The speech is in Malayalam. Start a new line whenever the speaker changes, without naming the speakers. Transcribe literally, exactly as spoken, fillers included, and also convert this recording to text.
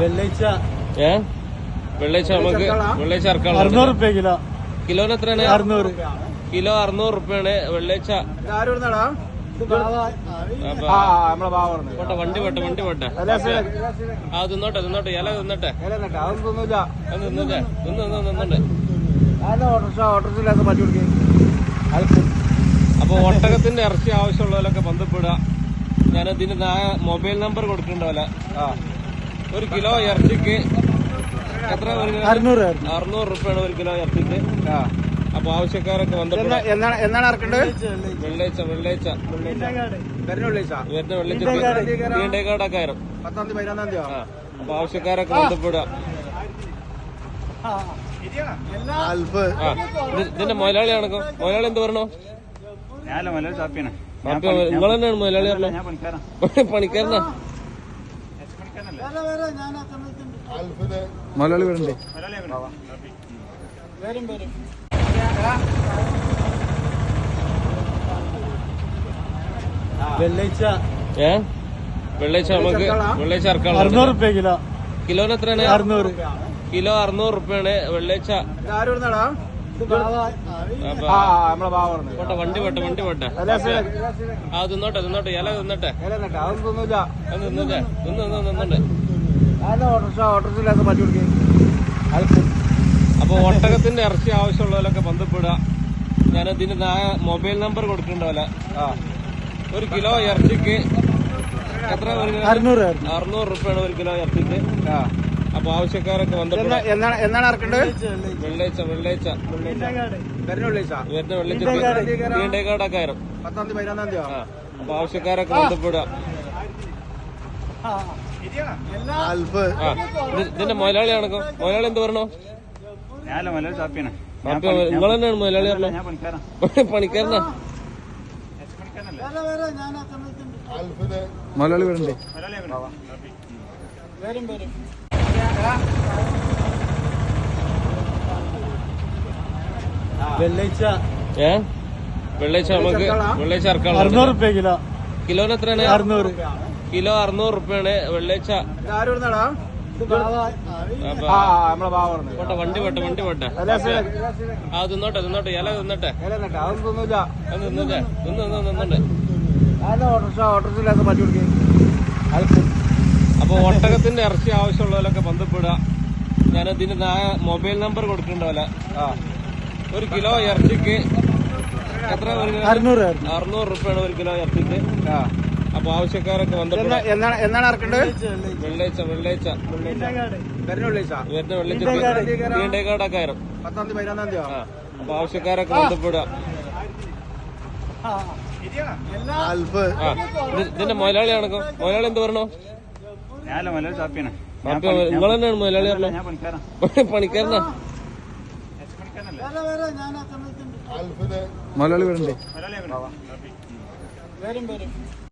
വെള്ളിയാഴ്ച
ഏ വെള്ളിയാഴ്ച നമുക്ക് വെള്ളിയാഴ്ച ഇറക്കാം.
അറുന്നൂറ് റുപ്യ കിലോ.
കിലോന് എത്രയാണ്?
അറുന്നൂറ്.
കിലോ അറുന്നൂറ് റുപ്യാണ് വെള്ളിയാഴ്ച. പോട്ടെ, വണ്ടി പോട്ടെ, വണ്ടി പോട്ടെ. ആ തിന്നോട്ടെ, തിന്നോട്ടെ, ഇല തിന്നട്ടെ, തിന്നോട്ടെ, തിന്നോട്ടെ. അപ്പൊ ഒട്ടകത്തിന്റെ ഇറച്ചി ആവശ്യമുള്ളവരൊക്കെ ബന്ധപ്പെടുക. ഞാൻ ഇതിന് മൊബൈൽ നമ്പർ കൊടുക്കണ്ടാവില്ല. ഒരു കിലോ ഇറച്ചിക്ക് എത്ര?
അറുന്നൂറ്
അറുന്നൂറ് റുപ്യാണ് ഒരു കിലോ ഇറച്ചിക്ക്. അപ്പൊ ആവശ്യക്കാരൊക്കെ ബന്ധപ്പെടുക.
എന്നാണ് ഇറക്കേണ്ടത്?
വെള്ളിയാഴ്ച വെള്ളിയാഴ്ച വരുന്ന വെള്ളിയാഴ്ച തീണ്ടേക്കാടൊക്കെ ആയിരം.
പത്താം തീയതി പതിനൊന്നാം തീയതി.
അപ്പൊ ആവശ്യക്കാരൊക്കെ ബന്ധപ്പെടുക. ഇതിന്റെ മുതലാളിയാണ്. മുതലാളി എന്ത് പറഞ്ഞോ? നിങ്ങൾ തന്നെയാണ് മുതലാളി പറഞ്ഞോ? പണിക്കാരനാ?
മലയാളി വരണ്ടേ? വെള്ളിയാഴ്ച
ഏ വെള്ളിയാഴ്ച നമുക്ക് വെള്ളിയാഴ്ച ഇറക്കാം.
അറുന്നൂറ് റുപ്യ കിലോ.
കിലോന് എത്രയാണ്?
അറുന്നൂറ്.
കിലോ അറുന്നൂറ് റുപ്യാണ് വെള്ളിയാഴ്ച. പോട്ടെ, വണ്ടി പോട്ടെ, വണ്ടി പോട്ടെ. ആ തിന്നോട്ടെ, തിന്നോട്ടെ, ഇല തിന്നട്ടെ, തിന്നോട്ടെ, തിന്നോട്ടെ. അപ്പൊ ഒട്ടകത്തിന്റെ ഇറച്ചി ആവശ്യമുള്ളവരൊക്കെ ബന്ധപ്പെടുക. ഞാൻ ഇതിന് മൊബൈൽ നമ്പർ കൊടുക്കണ്ടാവില്ല. ഒരു കിലോ ഇറച്ചിക്ക് എത്ര?
അറുന്നൂറ്.
അറുന്നൂറ് റുപ്യാണ് ഒരു കിലോ ഇറച്ചിക്ക്. അപ്പൊ ആവശ്യക്കാരൊക്കെ ബന്ധപ്പെടുക.
എന്നാണ് ഇറക്കേണ്ടത്?
വെള്ളിയാഴ്ച വെള്ളിയാഴ്ച വരുന്ന വെള്ളിയാഴ്ച തീണ്ടേക്കാടൊക്കെ ആയിരം.
പത്താം തീയതി പതിനൊന്നാം തീയതി.
അപ്പൊ ആവശ്യക്കാരൊക്കെ ബന്ധപ്പെടുക. ഇതിന്റെ മുതലാളിയാണ്. മുതലാളി എന്ത് പറഞ്ഞോ? നിങ്ങൾ തന്നെയാണ് മുതലാളി പറഞ്ഞോ? പണിക്കാരനാ?
മലയാളി വരണ്ടേ? വെള്ളിയാഴ്ച
ഏ വെള്ളിയാഴ്ച നമുക്ക് വെള്ളിയാഴ്ച ഇറക്കാം.
അറുന്നൂറ് റുപ്യ കിലോ.
കിലോന് എത്രയാണ്?
അറുന്നൂറ്.
കിലോ അറുന്നൂറ് റുപ്യാണ് വെള്ളിയാഴ്ച. പോട്ടെ, വണ്ടി പോട്ടെ, വണ്ടി പോട്ടെ. ആ തിന്നോട്ടെ, തിന്നോട്ടെ, ഇല തിന്നട്ടെ, തിന്നോട്ടെ, തിന്നോട്ടെ. അപ്പൊ ഒട്ടകത്തിന്റെ ഇറച്ചി ആവശ്യമുള്ളവരൊക്കെ ബന്ധപ്പെടുക. ഞാൻ ഇതിന് മൊബൈൽ നമ്പർ കൊടുക്കണ്ടാവില്ല. ഒരു കിലോ ഇറച്ചിക്ക് എത്ര?
അറുന്നൂറ്.
അറുന്നൂറ് റുപ്യാണ് ഒരു കിലോ ഇറച്ചിക്ക്. അപ്പൊ ആവശ്യക്കാരൊക്കെ ബന്ധപ്പെടുക.
എന്നാണ് ഇറക്കേണ്ടത്?
വെള്ളിയാഴ്ച വെള്ളിയാഴ്ച വരുന്ന വെള്ളിയാഴ്ച തീണ്ടേക്കാടൊക്കെ ആയിരം.
പത്താം തീയതി പതിനൊന്നാം തീയതി.
അപ്പൊ ആവശ്യക്കാരൊക്കെ ബന്ധപ്പെടുക. ഇതിന്റെ മുതലാളിയാണ്. മുതലാളി എന്ത് പറഞ്ഞോ? നിങ്ങൾ തന്നെയാണ് മുതലാളി പറഞ്ഞോ? പണിക്കാരനാ?
മലയാളി വരണ്ടേ?